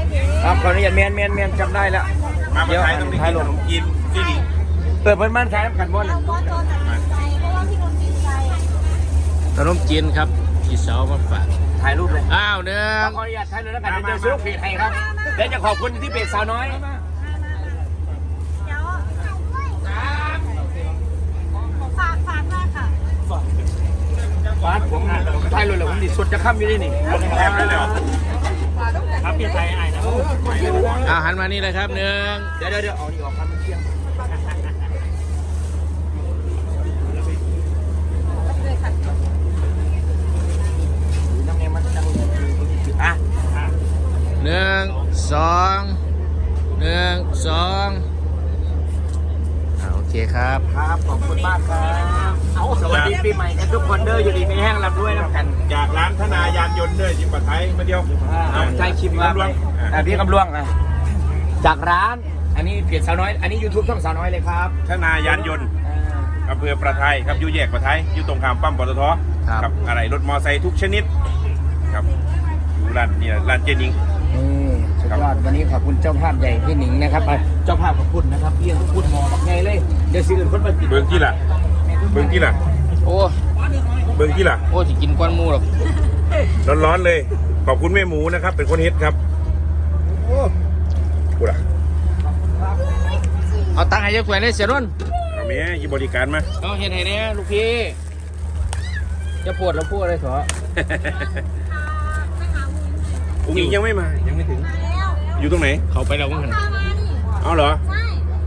ครับขออนุญาตเมียนจำได้แล้วมาไทยต้องได้กินขนมจีนที่นี่เปิดเพิ่นบ้านขายน้ำกันบ่เลยขนมจีนครับพี่สาวมาฝากถ่ายรูปเลยอ้าวเนื้อขออนุญาตถ่ายเลยแล้วกันเดี๋ยวซื้อเพจให้ครับเดี๋ยวจะขอบคุณที่เพจสาวน้อยฝากมากค่ะฟาดผมถ่ายเลยแล้วผมดิสุดจะค่ำอยู่นี่นี่แอบได้เลยครับพี่ไทยไอ้นะหันมานี่เลยครับเนื้อเดี๋ยวเอานี่ออกครับเที่ยง 1 2 1 2โอเคครับขอบคุณมากครับสวัสดีปีใหม่กันทุกคนเด้ออยู่ดีไม่แห้งรับด้วยน้ำกันจากร้านธนายานยนต์ด้วยจิปะไทยมาเดียวใช่ชิมครับพี่กำลวงจากร้านอันนี้เพจสาวน้อยอันนี้ YouTube ช่องสาวน้อยเลยครับธนายานยนต์อำเภอประไทยครับอยู่แยกประไทยอยู่ตรงข้ามปั๊มปตทครับอะไรรถมอไซค์ทุกชนิดครับอยู่ร้านนี่ร้านเจนิงสุดยอดวันนี้ขอบคุณเจ้าภาพใหญ่พี่หนิงนะครับเจ้าภาพขอบคุณนะครับพี่พูดหมอบักไงเลยเดี๋ยวซื้อคนมากินเบิ้งที่ล่ะโอ้เบิ้งที่ล่ะโอ้จะกินก้อนมูหรอกร้อนเลยขอบคุณแม่หมูนะครับเป็นคนเฮ็ดครับโอ้กูล่ะเอาตังค์ให้ยายแขวนได้เสียรุ่นเอาแม่ยี่บริการมาเอาเห็นไหนเนี่ยลูกพี่จะปวดแล้วพูดอะไรเถอะอุ้งอิงยังไม่มายังไม่ถึงอยู่ตรงไหนเขาไปแล้วมั้งหันเอาเหรอใช่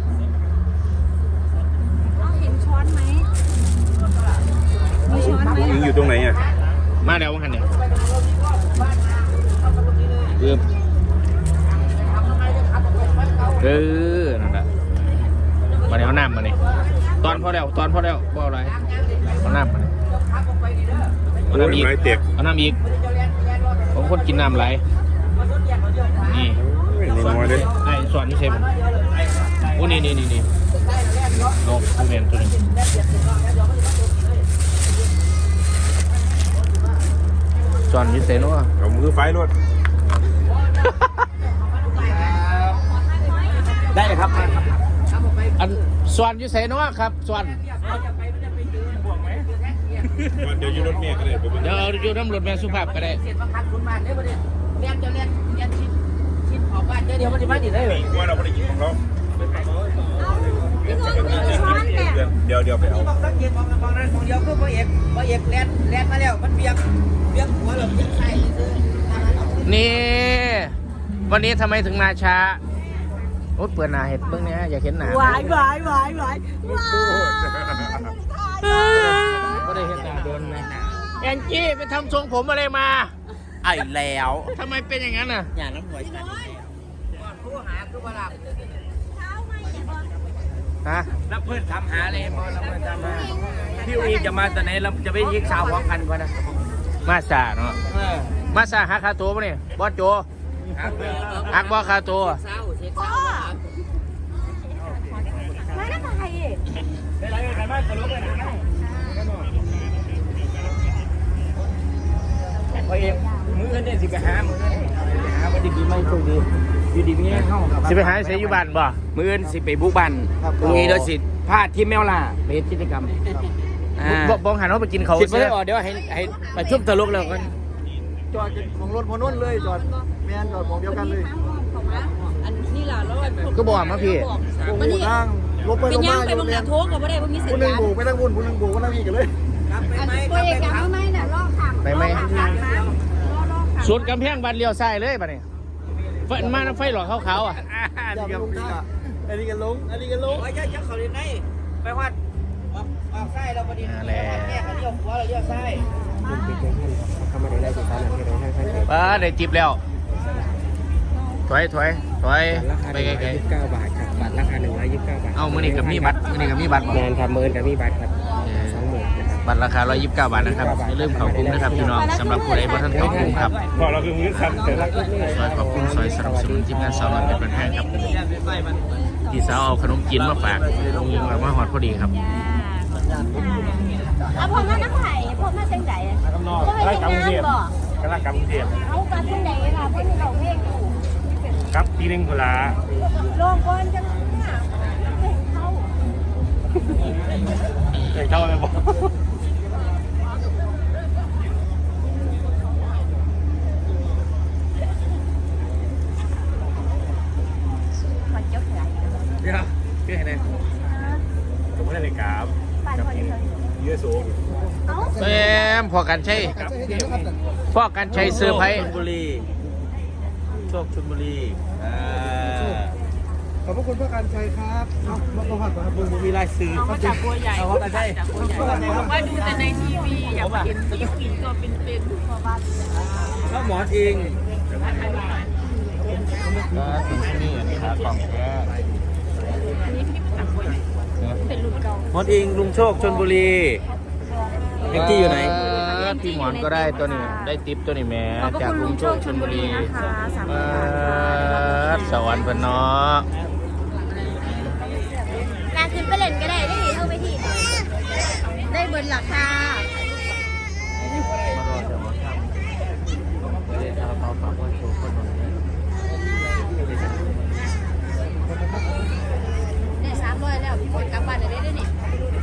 เห็นช้อนไหมมีช้อนไหมอุ้งอิงอยู่ตรงไหนอ่ะมาแล้วมั้งหันเนี่ยนั่นแหละมาเอาน้ำมาเนี่ยตอนพอแล้วพออะไรเอาน้ำมาเนี่ยเอาน้ำอีกเอาน้ำอีกผมคนกินน้ำไหลนี่ไอ้สอนนี่ใช่ผมโอ้นี่นกผู้เรียนตัวนึงสอนนี่เซโน่เอามือไฟรถได้เลยครับอันสอนยูเซโน่ครับสอนเดี๋ยวอยู่รถเมียก็ได้เดี๋ยวอยู่น้ำรถแม่สุภาพก็ได้เสียงคัดคุณมาเดี๋ยวเรียนจะเรียนชิดออกบ้านเดี๋ยวมันจะมาดิได้เลยว่าเราไม่ได้กินของเราเดี๋ยวไปเอาต้องเย็นมองนั้นมองเดียวคือพ่อเอกแลนมาแล้วมันเบียงหัวหลบเบียงใส่นี่วันนี้ทำไมถึงมาช้าโอ้เปิดหน้าเห็ดเบื้องนี้อยากเห็นหน้าหวายก็ได้เห็นหน้าโดนนะแอนจี้ไปทำทรงผมอะไรมาไอ้แล้วทำไมเป็นอย่างนั้นน่ะอย่างน้ำหัวฉันผู้หาคือว่าหลับฮะแล้วเพื่อนทำหาเลยมอเรามาทำมาพี่วีจะมาตอนไหนเราจะไปยิงสาวของพันกว่านะมาซาเนาะมาซาหาคาตัวปะเนี่ยบอสโจหักบอคาตัวไม่ได้ไปได้ไรกันบ้างตลกเลยนะพอเองมือเนี่ยสิไปหาวันดีไม่โชคดีอยู่ดีไม่เข้าสิไปหาเสียอยู่บ้านบ่มือสิไปบุกบันตรงนี้โดยสิพลาดที่แมวล่าไปกิจกรรมบ้องหันว่าไปกินเขาสิไปเดี๋ยวให้ไปชุบตลกแล้วกันจอดของรถพอนุ่นเลยจอดแมนจอดของเดียวกันเลยอันนี้ล่ะแล้วก็บอกมาพี่มันนี่ลบไปลงมาอยู่เนี่ยโทษกับว่าได้พวกมีสัญญาณผู้หนึ่งโบกไปทั้งบุญผู้หนึ่งโบกก็ทั้งพี่กันเลยตัวเอกยังไม่เนี่ยลอกขังไปไหมสุดกำแพงบันเลี้ยวซ้ายเลยป่ะเนี่ยไฟมาน้ำไฟหลอดขาวๆอ่ะอันนี้กันลงโอ้ยจะเขาเรียนไหนไปวัดออกไส้เราพอดีแม่เขาเลี้ยวหัวเราเลี้ยวไส้ป้าได้จิบแล้วถอยไปไกลๆบาทครับบัตรราคา129 บาทเอามือนี่กับมีบัตรแมนครับมือกับมีบัตรครับบัตรราคา129 บาทนะครับอย่าลืมเข้ากลุ่มนะครับพี่น้องสำหรับผู้ใดบ่ทันเข้ากลุ่มครับพอเราคือมือสั่นแต่ละขอบคุณซอยสนับสนุนทีมงานสาวน้อยเป็นประธานครับพี่สาวเอาขนมจีนมาฝากยิงมาหอดพอดีครับผมมาน้ำไผ่ผมมาจังไหนก็ให้งานบ่กำลังกำเทียมเอาการจังไหนค่ะเพื่อนเราเพลงอยู่ครับทีนึงเวลาลงก่อนจังเข้าเข้าไปบอกมันเจ้าแผลเดี๋ยวพี่ให้แน่ผมไม่ได้เลยครับปั่นพอดีเลยเยอะสูงเอ้าแม่พอกันใช่พอกันใช้เสื้อร์ไผ่ชลบุรีโชคชลบุรีขอบพระคุณพระการชัยครับมาประหัตครับมึงมีลายซื้อเอามาจากบัวใหญ่เอามาใช่จากบัวใหญ่ว่าดูแต่ในทีวีอยากเห็นตัวจริงตัวเป็นๆพอบ้านแล้วหมอนเองนี่ขากล่องแก้อันนี้พี่จากบัวใหญ่เป็นรุ่นเก่าหมอนเองลุงโชคชลบุรีเอ็กกี้อยู่ไหนพี่หมอนก็ได้ตัวนี้ได้ติปตัวนี้แม่ขอบพระจากคุณลุลุงงโชโชคคชชลลบุบุรีรีนะคะ3,000 บาทค่ะสวรรค์พนเนาะนางขึ้นไปเล่นก็ได้ได้เท่าไปที่ได้เบิร์นหลักค่ะมารอจะมาทำเรียนคาราบาวฝากไว้โชว์คนหนึ่งได้300แล้วพี่ฝนกลับบ้านได้ด้วยนี่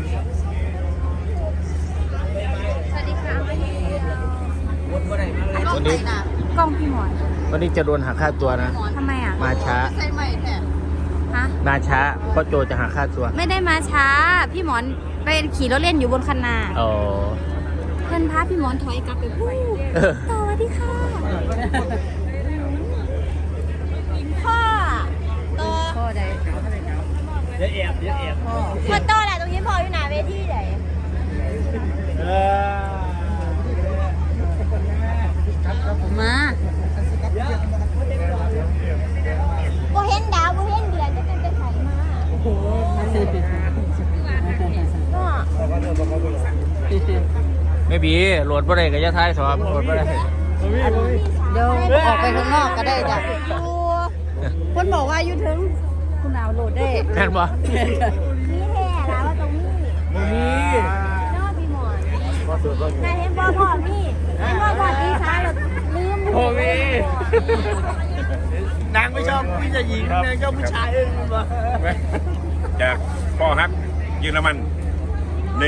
สวัสดีค่ะวันนี้กล้องพี่หมอนวันนี้จะโดนหักค่าตัวนะทำไมอ่ะมาช้าใส่ใหม่แท้ฮะมาช้าเพราะโจจะหักค่าตัวไม่ได้มาช้า พี่หมอนไปขี่รถเล่นอยู่บนคันนาอ๋อเพื่อนพาพี่หมอนถอยกลับไปพูดสวัสดีค่ะพ่อต่อพ่อใดเดี๋ยวแอบพ่อต่อแหละตรงนี้พ่ออยู่หน้าเวทีไหนมาบ่เห็นดาวบ่เห็นเดือนจะเป็นไปไสมาก็ไม่บีโหลดบ่ได้กับยะท้ายสอบโหลดบ่ได้เดี๋ยวออกไปข้างนอกก็ได้จ้ะคนบอกว่าอยู่ถึงคุณเอาโหลดได้แม่นบ่นี่แท้แล้วว่าตรงนี้นอกพี่หมอนนายเห็นบ่พ่อพี่เห็นบ่พ่อพี่ช้าเราลืมโอ้มีนางไม่ชอบผู้หญิงนางชอบผู้ชายเองมาจากพ่อฮักเยอรมัน1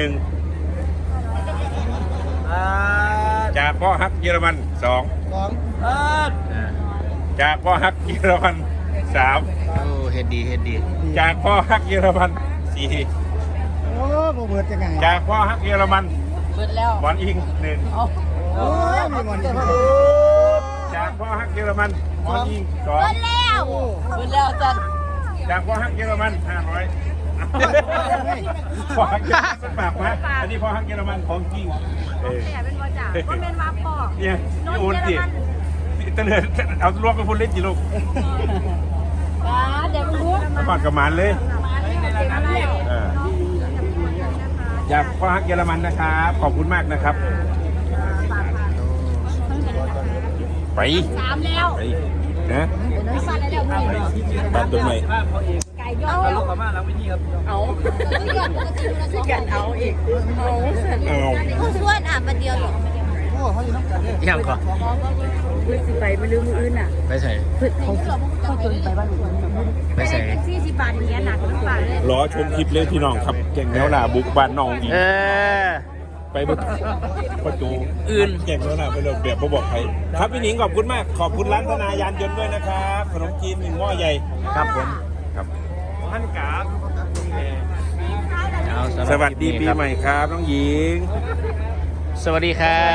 จากพ่อฮักเยอรมัน2จากพ่อฮักเยอรมัน3 โอ้เฮ็ดดีเฮ็ดดีจากพ่อฮักเยอรมัน4 โอ้โหเบิดยังไงจากพ่อฮักเยอรมันเบิดแล้วบอลอิง1 โอ้ยมีวันนี้จากพ่อฮักเยอรมันบอลอิงเบิดแล้วเบิดแล้วจัน 2จากพ่อฮักเยอรมัน500พ่อฮักเยอรมันสักปากมาอันนี้พ่อฮักเยอรมันของจริงแต่เป็นบ่จ่าเพราะเป็นว่าพ่อเนี่ยพี่โอนสิเตลิดเอารวมไปพูดเล่นจีลูกเดี๋ยวมันรู้ก่อนกับหมานเลยอยากพ่อฮักเยอรมันนะครับขอบคุณมากนะครับ ไป 3แล้วไปนะสั่นแล้วพี่ตัดตัวใหม่ไก่ย่อลูกกลับมาหลังเวทีครับเอาที่กันเอาอีกเอาเสร็จเอาผู้ส่วนอ่ะประเดียวหรอโอ้เขาอยู่น้ำกันเนี่ยยังก่อนพื้นสิไปไม่ลืมมืออื่นอ่ะไปใส่เขาจนไปบ้านหนูไปใส่ 40 บาทอย่างเงี้ยหนักหรือเปล่าเลยรอชมคลิปเลยพี่น้องครับเก่งแล้วล่ะบุกบ้านน้องอีกเออไปบุกประตูอื่นเก่งแล้วล่ะไปเลยแบบบ่บอกใครครับพี่หนิงขอบคุณมากขอบคุณร้านธนายานยนต์ด้วยนะครับขนมจีน1 หม้อใหญ่ครับผมครับท่านกาบเอาำหรับสวัสดีคลิปีนี้ครับใหม่ครับน้องหญิงสวัสดีครับ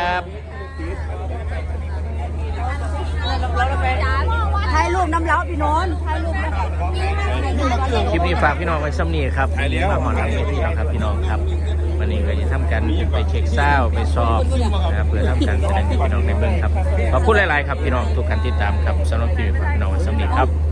ถ่ายรูปน้ำเล้าพี่นนท์ถ่ายรูปน้ำคลิปนี้ฝากพี่น้องไว้ซ้ำนี่ครับมาหมอลำเวทีเราครับพี่น้องครับวันนี้ก็จะทำการไปเช็คเศร้าไปสอบนะครับเพื่อทำการแสดงให้พี่น้องในเบื้องครับขอบคุณหลายๆครับพี่น้องทุกการติดตามครับสำหรับคลิปนี้ฝากพี่น้องไว้ซ้ำนี่ครับ